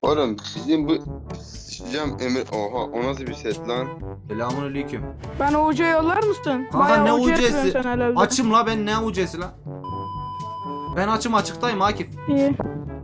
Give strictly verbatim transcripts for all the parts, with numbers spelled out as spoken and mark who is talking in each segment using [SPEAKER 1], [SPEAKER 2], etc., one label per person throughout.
[SPEAKER 1] Oğlum bizim bu Cam Emir, oha o nasıl bir set lan?
[SPEAKER 2] Selamünaleyküm.
[SPEAKER 3] Ben uca yollar mısın?
[SPEAKER 2] Kanka
[SPEAKER 3] Bayağı
[SPEAKER 2] ne
[SPEAKER 3] uca
[SPEAKER 2] ucesi?
[SPEAKER 3] yapıyorsun sen herhalde.
[SPEAKER 2] Açım la, ben ne ucesi la? Ben açım, açıktayım Akif.
[SPEAKER 3] İyi.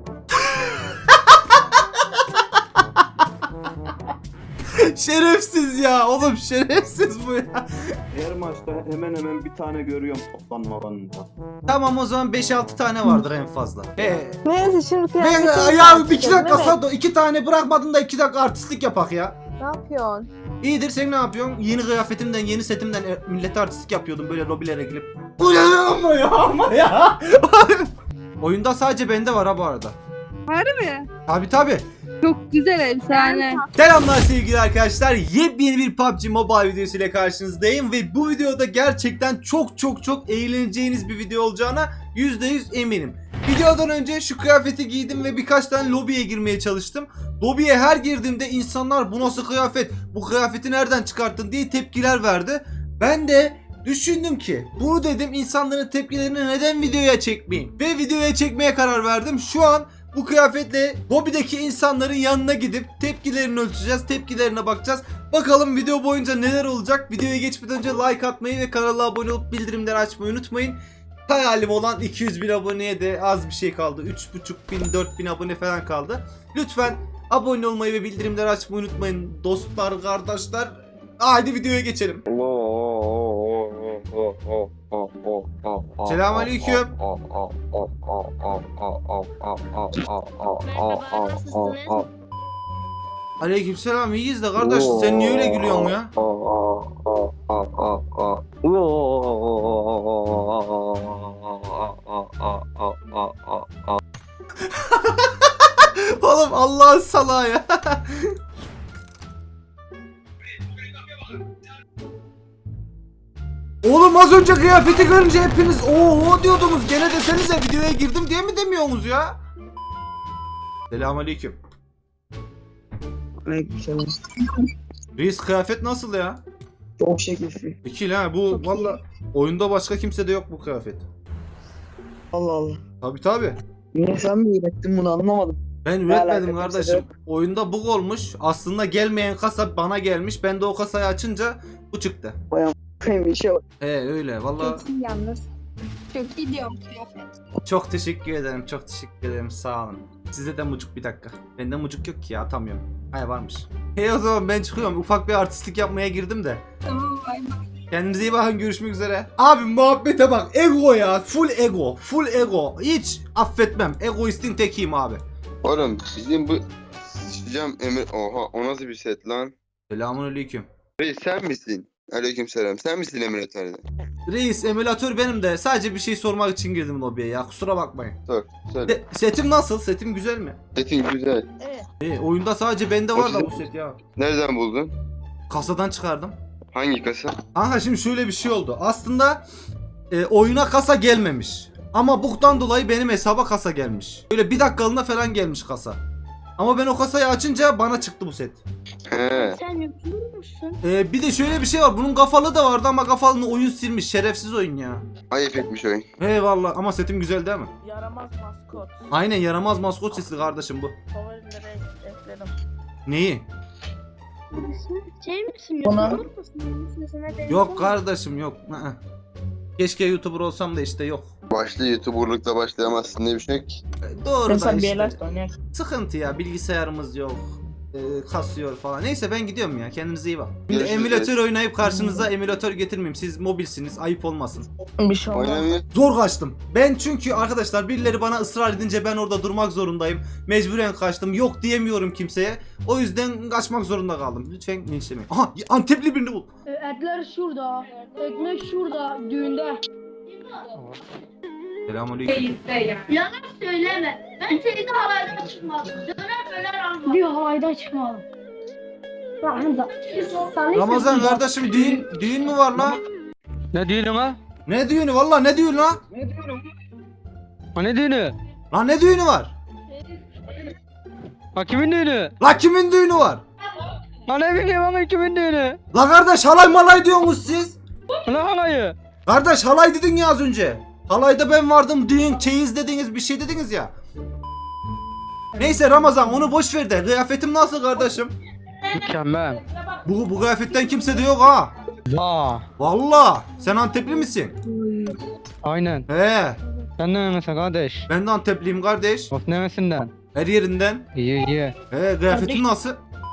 [SPEAKER 2] Şerefsiz ya oğlum, şerefsiz bu ya.
[SPEAKER 4] Her maçta hemen hemen bir tane görüyorum toplanma alanında.
[SPEAKER 2] Tamam, o zaman beş altı tane vardır en fazla. He.
[SPEAKER 3] Neyse şimdi
[SPEAKER 2] Ben
[SPEAKER 3] kıyafetini
[SPEAKER 2] ya
[SPEAKER 3] tartışalım,
[SPEAKER 2] iki dakika
[SPEAKER 3] evet.
[SPEAKER 2] Sado, iki tane bırakmadın da iki dakika artistlik yapak ya.
[SPEAKER 5] Ne yapıyorsun?
[SPEAKER 2] İyidir, sen ne yapıyorsun? Yeni kıyafetimden, yeni setimden e, millete artistlik yapıyordum böyle lobilere girip. Bu ne ama ya, ama ya. Oyunda sadece bende var ha bu arada.
[SPEAKER 3] Harbi mi?
[SPEAKER 2] Tabi tabi.
[SPEAKER 3] Çok güzel efsane.
[SPEAKER 2] Selamlar sevgili arkadaşlar. Yepyeni bir P U B G Mobile videosu ile karşınızdayım ve bu videoda gerçekten çok çok çok eğleneceğiniz bir video olacağına yüzde yüz eminim. Videodan önce şu kıyafeti giydim ve birkaç tane lobiye girmeye çalıştım. Lobiye her girdiğimde insanlar bu nasıl kıyafet, bu kıyafeti nereden çıkarttın diye tepkiler verdi. Ben de düşündüm ki bunu dedim, insanların tepkilerini neden videoya çekmeyeyim ve videoya çekmeye karar verdim. Şu an bu kıyafetle lobideki insanların yanına gidip tepkilerini ölçeceğiz, tepkilerine bakacağız. Bakalım video boyunca neler olacak. Videoya geçmeden önce like atmayı ve kanala abone olup bildirimleri açmayı unutmayın. Hayalim olan iki yüz bin aboneye de az bir şey kaldı. üç buçuk bin dört bin abone falan kaldı. Lütfen abone olmayı ve bildirimleri açmayı unutmayın dostlar, kardeşler. Haydi videoya geçelim. Selamünaleyküm. Aleykümselam, iyiyiz de kardeş, sen niye öyle gülüyorsun ya? Oğlum Allah'ın salağı ya. Oğlum az önce kıyafeti görünce hepiniz ooo diyordunuz, gene desenize videoya girdim diye mi demiyorsunuz ya? Selamünaleyküm.
[SPEAKER 6] Aleykümselam.
[SPEAKER 2] Reis, kıyafet nasıl ya?
[SPEAKER 6] Çok şekilli.
[SPEAKER 2] İki ha, bu valla oyunda başka kimse de yok bu kıyafet.
[SPEAKER 6] Allah Allah.
[SPEAKER 2] Tabi tabi.
[SPEAKER 6] Niye sen mi ürettin bunu anlamadım.
[SPEAKER 2] Ben
[SPEAKER 6] Ne
[SPEAKER 2] üretmedim
[SPEAKER 6] alaka, kimse de
[SPEAKER 2] kardeşim.
[SPEAKER 6] yok.
[SPEAKER 2] Oyunda bug olmuş. Aslında gelmeyen kasa bana gelmiş. Ben de o kasayı açınca bu çıktı.
[SPEAKER 6] Bir şey var.
[SPEAKER 2] He öyle valla.
[SPEAKER 5] Çok iyi yalnız. Çok iyi diyorum kıyafet.
[SPEAKER 2] Çok teşekkür ederim. Çok teşekkür ederim. Sağ olun. Size de mucuk bir dakika. Bende mucuk yok ki ya, atamıyorum. Hay varmış. Hey o zaman ben çıkıyorum. Ufak bir artistlik yapmaya girdim de.
[SPEAKER 5] Tamam bay bay.
[SPEAKER 2] Kendinize iyi bakın, görüşmek üzere. Abi muhabbete bak, ego ya, full ego, full ego. Hiç affetmem, egoistin tekiyim abi.
[SPEAKER 1] Oğlum bizim bu Cam Emir, oha o nasıl bir set lan?
[SPEAKER 2] Selamünaleyküm.
[SPEAKER 1] Reis sen misin? Aleykümselam, sen misin emülatörde?
[SPEAKER 2] Reis, emülatör benim de, sadece bir şey sormak için girdim lobiye ya, kusura bakmayın.
[SPEAKER 1] Sor, söyle.
[SPEAKER 2] De, setim nasıl? Setim güzel mi?
[SPEAKER 1] Setin güzel.
[SPEAKER 2] E, oyunda sadece bende var da bu set ya.
[SPEAKER 1] Nereden buldun?
[SPEAKER 2] Kasadan çıkardım.
[SPEAKER 1] Hangi kasa?
[SPEAKER 2] Kanka şimdi şöyle bir şey oldu. Aslında e, oyuna kasa gelmemiş. Ama bug'dan dolayı benim hesaba kasa gelmiş. Böyle bir dakikalığına falan gelmiş kasa. Ama ben o kasayı açınca bana çıktı bu set.
[SPEAKER 1] He.
[SPEAKER 5] Sen YouTuber musun?
[SPEAKER 2] E, bir de şöyle bir şey var. Bunun kafalı da vardı ama kafalını oyun silmiş. Şerefsiz oyun ya.
[SPEAKER 1] Ayıp etmiş oyun.
[SPEAKER 2] Eyvallah, ama setim güzel değil mi?
[SPEAKER 3] Yaramaz maskot.
[SPEAKER 2] Aynen, yaramaz maskot sesi kardeşim bu.
[SPEAKER 3] Favorilere ekledim.
[SPEAKER 2] Neyi?
[SPEAKER 5] Şey misin?
[SPEAKER 6] Bana-
[SPEAKER 5] YouTuber musun? Sesine benziyor
[SPEAKER 2] Yok
[SPEAKER 5] mu?
[SPEAKER 2] kardeşim, yok. Hı-hı. Keşke YouTuber olsam da işte yok.
[SPEAKER 1] Başlı YouTuber'lıkla başlayamazsın diye bir şey yok ki.
[SPEAKER 2] E, Doğru
[SPEAKER 6] Ben
[SPEAKER 2] da
[SPEAKER 6] sen bir
[SPEAKER 2] işte.
[SPEAKER 6] el aç da oynayak.
[SPEAKER 2] Sıkıntı ya, bilgisayarımız yok. E, kasıyor falan. Neyse ben gidiyorum ya, kendinize iyi bak. Şimdi
[SPEAKER 1] Görüşürüz.
[SPEAKER 2] emülatör oynayıp karşınıza emülatör getirmeyeyim. Siz mobilsiniz, ayıp olmasın.
[SPEAKER 6] Bir şey olmaz.
[SPEAKER 1] Oynamıyor.
[SPEAKER 2] Zor kaçtım. Ben çünkü arkadaşlar birileri bana ısrar edince ben orada durmak zorundayım. Mecburen kaçtım. Yok diyemiyorum kimseye. O yüzden kaçmak zorunda kaldım. Lütfen linçlemeyin. Aha, Antepli birini bul.
[SPEAKER 7] E, Etler şurada, ekmek şurada, düğünde.
[SPEAKER 2] Selamünaleyküm.
[SPEAKER 7] Yalan söyleme. Ben şeyde halaydan çıkmadım. Döner döner almadım. Diyor halaydan çıkmadım.
[SPEAKER 2] Ramazan kardeşim, düğün düğün mü var lan?
[SPEAKER 8] Ne düğünü ha?
[SPEAKER 2] Ne düğünü? Vallahi ne düğünü lan?
[SPEAKER 8] Ha ne düğünü?
[SPEAKER 2] Lan ne düğünü var?
[SPEAKER 8] Ha kimin düğünü?
[SPEAKER 2] La kimin düğünü var?
[SPEAKER 8] Ha ne bileyim ama kimin düğünü?
[SPEAKER 2] La kardeş, halay malay diyorsunuz siz.
[SPEAKER 8] Ne halayı?
[SPEAKER 2] Kardeş halay dedin ya az önce. Halayda ben vardım, düğün, çeyiz dediniz, bir şey dediniz ya. Neyse Ramazan onu boş ver de kıyafetim nasıl kardeşim?
[SPEAKER 8] Mükemmel.
[SPEAKER 2] Bu, bu kıyafetten kimse de yok ha.
[SPEAKER 8] Vaa.
[SPEAKER 2] Valla sen Antepli misin?
[SPEAKER 8] Aynen.
[SPEAKER 2] He
[SPEAKER 8] Sen ne yemesin kardeş?
[SPEAKER 2] ben de Antepliyim kardeş.
[SPEAKER 8] Of nemesinden.
[SPEAKER 2] Her yerinden.
[SPEAKER 8] İyi iyi.
[SPEAKER 2] He kıyafetim nasıl?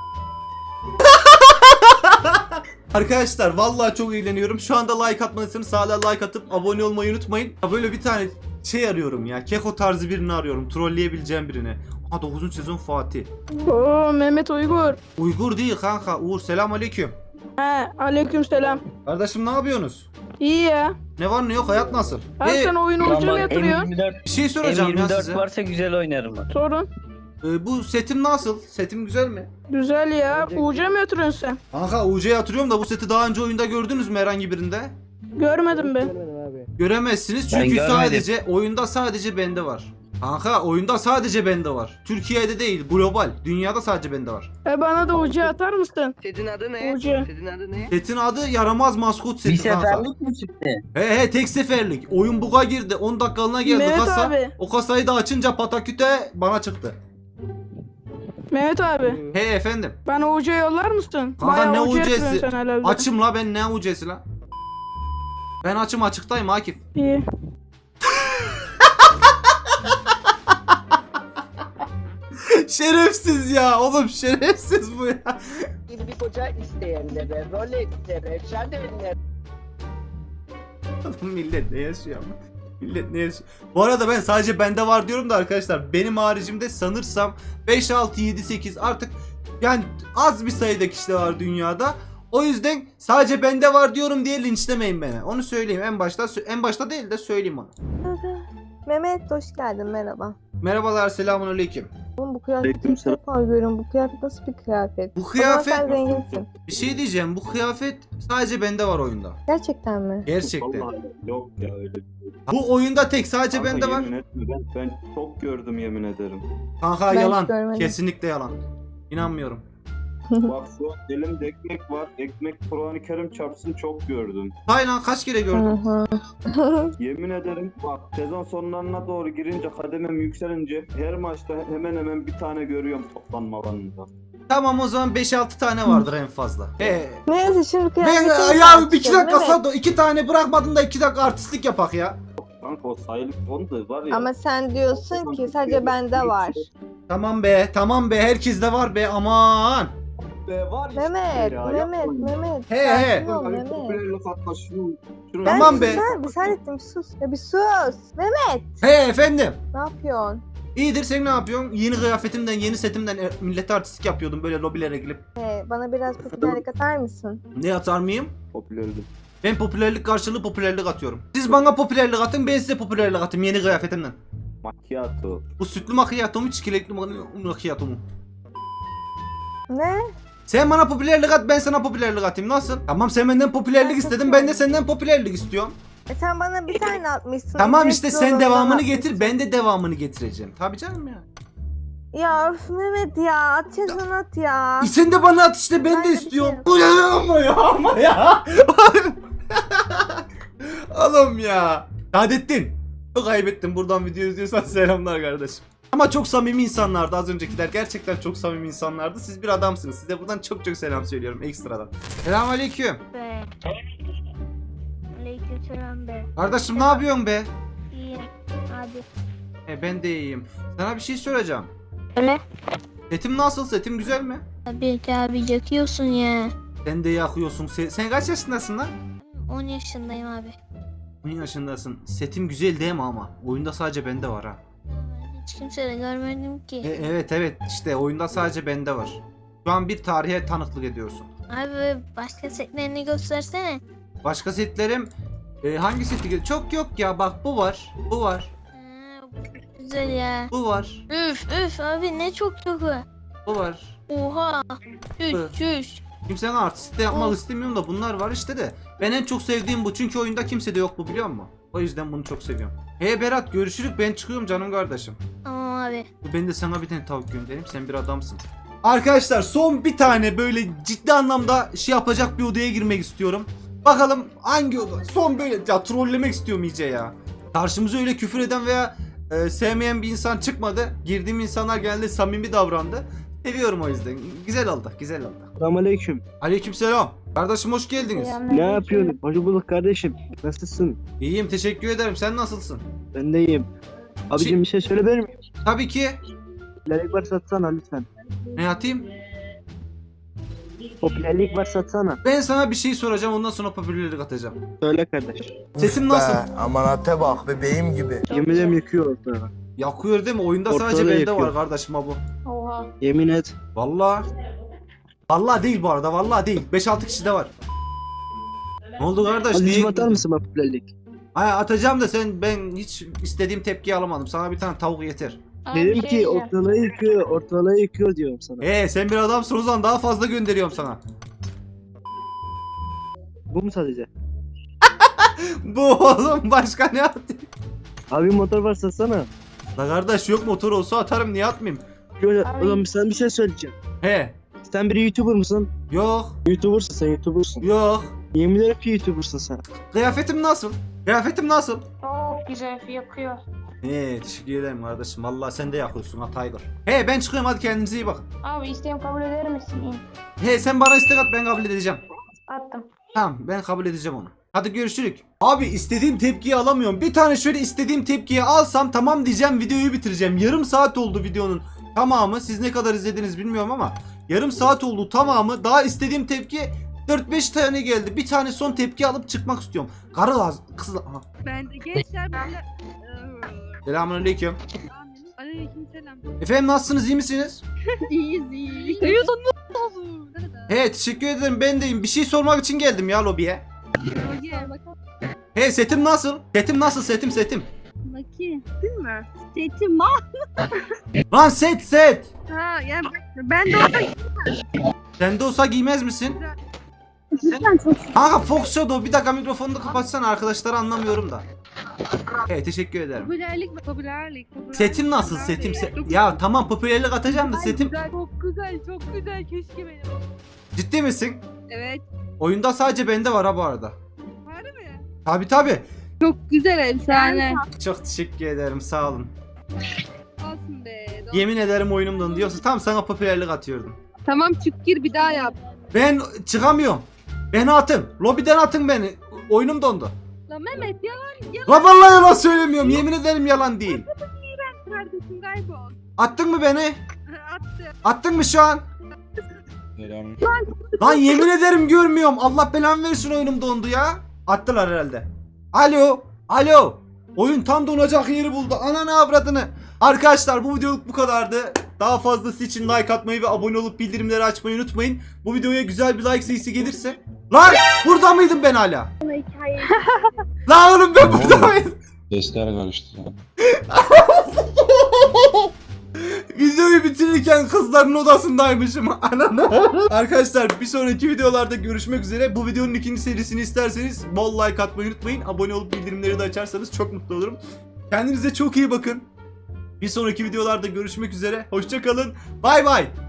[SPEAKER 2] Arkadaşlar vallahi çok eğleniyorum. Şu anda like atmadıysanız hala like atıp abone olmayı unutmayın. Ya böyle bir tane şey arıyorum ya. Keko tarzı birini arıyorum. Trolleyebileceğim birini. Ha dokuzuncu sezon Fatih.
[SPEAKER 3] Oo Mehmet Uygur.
[SPEAKER 2] Uygur değil kanka. Uğur selam aleyküm.
[SPEAKER 3] He aleyküm selam.
[SPEAKER 2] Kardeşim ne yapıyorsunuz?
[SPEAKER 3] İyi ya.
[SPEAKER 2] Ne var ne yok hayat nasıl?
[SPEAKER 3] Abi
[SPEAKER 2] Ee,
[SPEAKER 3] sen oyun ucu mu yatırıyorsun?
[SPEAKER 9] M yirmi dört,
[SPEAKER 2] bir şey soracağım
[SPEAKER 9] M
[SPEAKER 2] ya
[SPEAKER 9] yirmi dört
[SPEAKER 2] size.
[SPEAKER 9] varsa güzel oynarım ben.
[SPEAKER 3] Sorun.
[SPEAKER 2] Ee, bu setim nasıl? Setim güzel mi?
[SPEAKER 3] Güzel ya. Uca mı yatırıyorsun sen?
[SPEAKER 2] Kanka U C'ye atırıyorum da bu seti daha önce oyunda gördünüz mü herhangi birinde?
[SPEAKER 3] Görmedim ben.
[SPEAKER 2] Göremezsiniz
[SPEAKER 9] Ben
[SPEAKER 2] çünkü
[SPEAKER 9] görmedim.
[SPEAKER 2] sadece oyunda sadece bende var. Kanka oyunda sadece bende var. Türkiye'de değil, global. Dünyada sadece bende var.
[SPEAKER 3] E bana da uca atar mısın?
[SPEAKER 6] Setin adı ne?
[SPEAKER 3] Uca.
[SPEAKER 6] Setin adı ne?
[SPEAKER 2] Setin adı yaramaz maskot
[SPEAKER 9] Bir
[SPEAKER 2] seti kanka.
[SPEAKER 9] seferlik mi çıktı?
[SPEAKER 2] He he tek seferlik. Oyun buga girdi. on dakikalığına geldi
[SPEAKER 3] Mehmet
[SPEAKER 2] kasa.
[SPEAKER 3] abi.
[SPEAKER 2] O kasayı da açınca pataküte bana çıktı.
[SPEAKER 3] Mehmet abi.
[SPEAKER 2] He efendim.
[SPEAKER 3] Bana uca yollar mısın?
[SPEAKER 2] Kanka,
[SPEAKER 3] Bayağı
[SPEAKER 2] ne
[SPEAKER 3] uca
[SPEAKER 2] ucası?
[SPEAKER 3] yatırıyorsun sen herhalde.
[SPEAKER 2] Açım la ben ne U C'si la? Ben açım açıktayım Akif.
[SPEAKER 3] İyi.
[SPEAKER 2] Şerefsiz ya oğlum şerefsiz bu ya.
[SPEAKER 6] Bir koca isteyenlere, be, Rolex'lere, Chanel'lere.
[SPEAKER 2] Millet ne yaşıyor ama? Millet ne yaşıyor? Bu arada ben sadece bende var diyorum da arkadaşlar benim haricimde sanırsam beş, altı, yedi, sekiz artık yani az bir sayıda kişi de var dünyada. O yüzden sadece bende var diyorum diye linçlemeyin beni. Onu söyleyeyim en başta en başta değil de söyleyeyim onu.
[SPEAKER 10] Mehmet hoş geldin merhaba.
[SPEAKER 2] Merhabalar selamünaleyküm.
[SPEAKER 10] Oğlum bu kıyafeti ilk
[SPEAKER 4] Aleykümselam.
[SPEAKER 10] defa görüyorum. Bu kıyafet nasıl bir kıyafet?
[SPEAKER 2] Bu
[SPEAKER 10] O zaman
[SPEAKER 2] kıyafet
[SPEAKER 10] sen zenginsin.
[SPEAKER 2] bir şey diyeceğim bu kıyafet sadece bende var oyunda.
[SPEAKER 10] Gerçekten mi?
[SPEAKER 2] Gerçekten.
[SPEAKER 4] Vallahi yok ya öyle.
[SPEAKER 2] Bu oyunda tek sadece
[SPEAKER 4] Kanka,
[SPEAKER 2] bende var.
[SPEAKER 4] yemin etme, Ben, ben çok gördüm yemin ederim.
[SPEAKER 2] Kanka
[SPEAKER 10] Ben hiç
[SPEAKER 2] yalan.
[SPEAKER 10] görmedim.
[SPEAKER 2] Kesinlikle yalan. İnanmıyorum.
[SPEAKER 4] Bak şu an elimde ekmek var. Ekmek Kur'an-ı Kerim çarpsın çok gördüm.
[SPEAKER 2] Haylan kaç kere
[SPEAKER 10] Hı
[SPEAKER 2] gördün?
[SPEAKER 10] hı.
[SPEAKER 4] Yemin ederim bak sezon sonlarına doğru girince kademem yükselince her maçta hemen hemen bir tane görüyorum toplanma alanında.
[SPEAKER 2] Tamam o zaman beş altı tane vardır en fazla. He.
[SPEAKER 10] Neyse şimdi
[SPEAKER 2] Ben
[SPEAKER 10] kıyafetini
[SPEAKER 2] ya bir iki
[SPEAKER 10] tartışalım,
[SPEAKER 2] dakika
[SPEAKER 10] Mehmet.
[SPEAKER 2] Sado iki tane bırakmadın da iki dakika artistlik yapak ya.
[SPEAKER 4] Kanka o sayılık konu da var ya.
[SPEAKER 10] Ama sen diyorsun ki sadece bende var.
[SPEAKER 2] Tamam be tamam be herkeste var be aman.
[SPEAKER 4] Be, var işte
[SPEAKER 10] Mehmet,
[SPEAKER 4] ya,
[SPEAKER 10] Mehmet,
[SPEAKER 4] yapmayın.
[SPEAKER 10] Mehmet.
[SPEAKER 2] He, he.
[SPEAKER 10] sakin ol
[SPEAKER 4] Ay,
[SPEAKER 10] Mehmet.
[SPEAKER 4] popülerlik atma şunu. şunu-
[SPEAKER 10] Ben
[SPEAKER 2] Tamam
[SPEAKER 10] bir
[SPEAKER 2] be.
[SPEAKER 10] sen- Bir saniye bir sus. Ya bir sus. Mehmet
[SPEAKER 2] He efendim.
[SPEAKER 10] ne yapıyorsun?
[SPEAKER 2] İyidir sen ne yapıyorsun? Yeni kıyafetimden yeni setimden e, millete artistlik yapıyordum böyle lobilere girip.
[SPEAKER 10] He, bana biraz popülerlik atar mısın?
[SPEAKER 2] Ne atar mıyım?
[SPEAKER 4] Popülerlik.
[SPEAKER 2] Ben popülerlik karşılığı popülerlik atıyorum. Siz bana popülerlik atın ben size popülerlik atayım yeni kıyafetimden.
[SPEAKER 4] Macchiato.
[SPEAKER 2] Bu sütlü macchiato mu çikolatlı macchiato mu?
[SPEAKER 10] Ne?
[SPEAKER 2] Sen bana popülerlik at ben sana popülerlik atayım nasıl? Tamam sen benden popülerlik istedin ben de senden popülerlik istiyorum.
[SPEAKER 10] E sen bana bir tane atmışsın.
[SPEAKER 2] Tamam
[SPEAKER 10] Ücretsiz
[SPEAKER 2] işte sen
[SPEAKER 10] olanından
[SPEAKER 2] devamını
[SPEAKER 10] atmışsın.
[SPEAKER 2] getir ben de devamını getireceğim. Tabii canım ya.
[SPEAKER 10] Ya öf Mehmet ya atıyorsun at ya.
[SPEAKER 2] E sen de bana at işte ben
[SPEAKER 10] Ben
[SPEAKER 2] de
[SPEAKER 10] de bir
[SPEAKER 2] istiyorum.
[SPEAKER 10] şey-
[SPEAKER 2] Ulan ama ya ama ya. Oğlum ya. Saadettin. Çok kaybettim buradan video izliyorsan selamlar kardeşim. Ama çok samimi insanlardı az öncekiler. Gerçekten çok samimi insanlardı. Siz bir adamsınız. Size buradan çok çok selam söylüyorum ekstradan. Selamünaleyküm.
[SPEAKER 5] Be. Aleykümselam be.
[SPEAKER 2] Kardeşim ne yapıyorsun be?
[SPEAKER 5] İyi. Hadi.
[SPEAKER 2] E, ben de iyiyim. Sana bir şey soracağım.
[SPEAKER 5] Öyle.
[SPEAKER 2] Setim nasıl? Setim güzel mi?
[SPEAKER 5] Abi abi yakıyorsun ya.
[SPEAKER 2] Sen de yakıyorsun. Sen, sen kaç yaşındasın lan?
[SPEAKER 5] on yaşındayım abi.
[SPEAKER 2] on yaşındasın. Setim güzel değil mi ama? Oyunda sadece bende var ha.
[SPEAKER 5] Hiç kimse de görmedim
[SPEAKER 2] E,
[SPEAKER 5] ki.
[SPEAKER 2] evet evet işte oyunda sadece bende var. Şu an bir tarihe tanıklık ediyorsun.
[SPEAKER 5] Abi başka setlerini göstersene.
[SPEAKER 2] Başka setlerim e, hangi seti? gö- Çok yok ya bak bu var. Bu var.
[SPEAKER 5] Ha, bu çok güzel ya.
[SPEAKER 2] Bu var.
[SPEAKER 5] Üf üf abi ne çok çok var.
[SPEAKER 2] Bu var.
[SPEAKER 5] Oha.
[SPEAKER 2] Evet.
[SPEAKER 5] Çüş çüş.
[SPEAKER 2] Kimsenin artist de yapmak
[SPEAKER 5] Hı.
[SPEAKER 2] istemiyorum da bunlar var işte de. Ben en çok sevdiğim bu çünkü oyunda kimse de yok bu biliyor musun? O yüzden bunu çok seviyorum. Hey Berat görüşürük ben çıkıyorum canım kardeşim.
[SPEAKER 5] Tamam abi.
[SPEAKER 2] Ben de sana bir tane tavuk göndereyim sen bir adamsın. Arkadaşlar son bir tane böyle ciddi anlamda şey yapacak bir odaya girmek istiyorum. Bakalım hangi oda? Son böyle ya trollemek istiyorum iyice ya. Karşımıza öyle küfür eden veya e, sevmeyen bir insan çıkmadı. Girdiğim insanlar genelde samimi davrandı. Seviyorum o yüzden. Güzel oldu, güzel oldu.
[SPEAKER 9] Selamünaleyküm.
[SPEAKER 2] Aleykümselam. Kardeşim hoş geldiniz.
[SPEAKER 9] Ne yapıyorsun? Hoş bulduk kardeşim. Nasılsın?
[SPEAKER 2] İyiyim, teşekkür ederim. Sen nasılsın?
[SPEAKER 9] Ben de iyiyim. Abicim bir şey söyleyebilir miyim?
[SPEAKER 2] Tabii ki.
[SPEAKER 9] Popülerlik var satsana lütfen.
[SPEAKER 2] Ne atayım?
[SPEAKER 9] Popülerlik var satsana.
[SPEAKER 2] Ben sana bir şey soracağım, ondan sonra popülerlik atacağım.
[SPEAKER 9] Söyle kardeş.
[SPEAKER 2] Sesim nasıl?
[SPEAKER 11] Amanate bak bebeğim gibi.
[SPEAKER 9] Yemin ederim yıkıyor ortalığı.
[SPEAKER 2] Yakıyor değil mi? Oyunda
[SPEAKER 9] Ortalığı
[SPEAKER 2] sadece bende
[SPEAKER 9] yakıyor.
[SPEAKER 2] var kardeşim ha bu.
[SPEAKER 3] Oha.
[SPEAKER 9] Yemin et.
[SPEAKER 2] Vallahi. Vallahi değil bu arada, vallahi değil. beş altı kişi de var. Ne oldu kardeş?
[SPEAKER 9] Azizim
[SPEAKER 2] Niye?
[SPEAKER 9] atar mısın bana popülerlik?
[SPEAKER 2] Ay atacağım da sen ben hiç istediğim tepkiyi alamadım. Sana bir tane tavuk yeter.
[SPEAKER 9] Dedim ki ortalığı yıkıyor, ortalığı yıkıyor diyorum sana.
[SPEAKER 2] Ee sen bir adamsın o zaman daha fazla gönderiyorum sana.
[SPEAKER 9] Bu mu sadece?
[SPEAKER 2] Bu oğlum başka ne atayım?
[SPEAKER 9] Abi motor var satsana.
[SPEAKER 2] La kardeş yok motor olsa atarım niye atmayayım?
[SPEAKER 9] Şöyle,
[SPEAKER 3] Abi-
[SPEAKER 9] o zaman sen bir şey söyleyeceğim.
[SPEAKER 2] He.
[SPEAKER 9] Sen bir YouTuber mısın?
[SPEAKER 2] Yok.
[SPEAKER 9] YouTuber'sın sen YouTuber'sın.
[SPEAKER 2] Yok.
[SPEAKER 9] Yemin ederim ki YouTuber'sın sen.
[SPEAKER 2] Kıyafetim nasıl? Kıyafetim nasıl?
[SPEAKER 3] Çok güzel yakıyor.
[SPEAKER 2] He teşekkür ederim kardeşim. Vallahi sen de yakıyorsun ha Tiger. He ben çıkıyorum hadi kendinize iyi bakın.
[SPEAKER 3] Abi isteğim kabul eder misin?
[SPEAKER 2] He sen bana istek at ben kabul edeceğim.
[SPEAKER 3] Attım.
[SPEAKER 2] Tamam ben kabul edeceğim onu. Hadi görüşürük. Abi istediğim tepkiyi alamıyorum. Bir tane şöyle istediğim tepkiyi alsam tamam diyeceğim videoyu bitireceğim. Yarım saat oldu videonun tamamı. Siz ne kadar izlediniz bilmiyorum ama yarım saat oldu tamamı. Daha istediğim tepki dört beş tane geldi. Bir tane son tepki alıp çıkmak istiyorum. Karı lazım. Kız lazım.
[SPEAKER 10] Ben de gençler böyle...
[SPEAKER 2] Selamünaleyküm.
[SPEAKER 10] Aleyküm selam.
[SPEAKER 2] Efendim nasılsınız iyi misiniz?
[SPEAKER 10] İyiyiz iyiyiz. Duyuyorsun mu?
[SPEAKER 2] He teşekkür ederim ben deyim. Bir şey sormak için geldim ya lobiye.
[SPEAKER 10] Gel bakalım.
[SPEAKER 2] He setim nasıl? Setim nasıl setim setim?
[SPEAKER 10] Bakayım. Değil mi? Setim var.
[SPEAKER 2] Lan set set.
[SPEAKER 10] Ha yani ben de orada
[SPEAKER 2] Sende olsa giymez misin?
[SPEAKER 10] güzel çok.
[SPEAKER 2] Kanka Fox Shadow bir dakika mikrofonunu kapatsana arkadaşlar anlamıyorum da. Evet teşekkür ederim.
[SPEAKER 10] Popülerlik mi? Popülerlik. popülerlik.
[SPEAKER 2] Setim nasıl setim? Se- ya tamam popülerlik atacağım da
[SPEAKER 10] Ay,
[SPEAKER 2] setim.
[SPEAKER 10] Güzel, çok güzel çok güzel keşke benim.
[SPEAKER 2] Ciddi misin?
[SPEAKER 10] Evet.
[SPEAKER 2] Oyunda sadece bende var ha bu arada.
[SPEAKER 10] Var mı?
[SPEAKER 2] Tabi tabi.
[SPEAKER 10] Çok güzel efsane.
[SPEAKER 2] Çok teşekkür ederim sağ olun.
[SPEAKER 10] Olsun be.
[SPEAKER 2] Yemin ederim oyunumdan diyorsun. Tam sana popülerlik atıyordum.
[SPEAKER 10] Tamam çık gir bir daha yap.
[SPEAKER 2] Ben çıkamıyorum. Beni atın. Lobiden atın beni. Oyunum dondu.
[SPEAKER 10] Lan Mehmet yalan yalan
[SPEAKER 2] La vallahi yalan söylemiyorum. Yemin ederim yalan değil.
[SPEAKER 10] kardeşim kaybol.
[SPEAKER 2] Attın mı beni?
[SPEAKER 10] Attı.
[SPEAKER 2] Attın mı şu an? Lan yemin ederim görmüyorum. Allah belanı versin oyunum dondu ya. Attılar herhalde. Alo. Alo. Oyun tam donacak yeri buldu. Ananı avradını. Arkadaşlar bu videoluk bu kadardı. Daha fazlası için like atmayı ve abone olup bildirimleri açmayı unutmayın. Bu videoya güzel bir like sayısı gelirse. Lan burada mıydım ben hala? Lan oğlum ben burada mıydım?
[SPEAKER 11] Sesler karıştı.
[SPEAKER 2] Videoyu bitirirken kızların odasındaymışım. Ananı. Arkadaşlar bir sonraki videolarda görüşmek üzere. Bu videonun ikinci serisini isterseniz bol like atmayı unutmayın. Abone olup bildirimleri de açarsanız çok mutlu olurum. Kendinize çok iyi bakın. Bir sonraki videolarda görüşmek üzere. Hoşça kalın. Bay bay.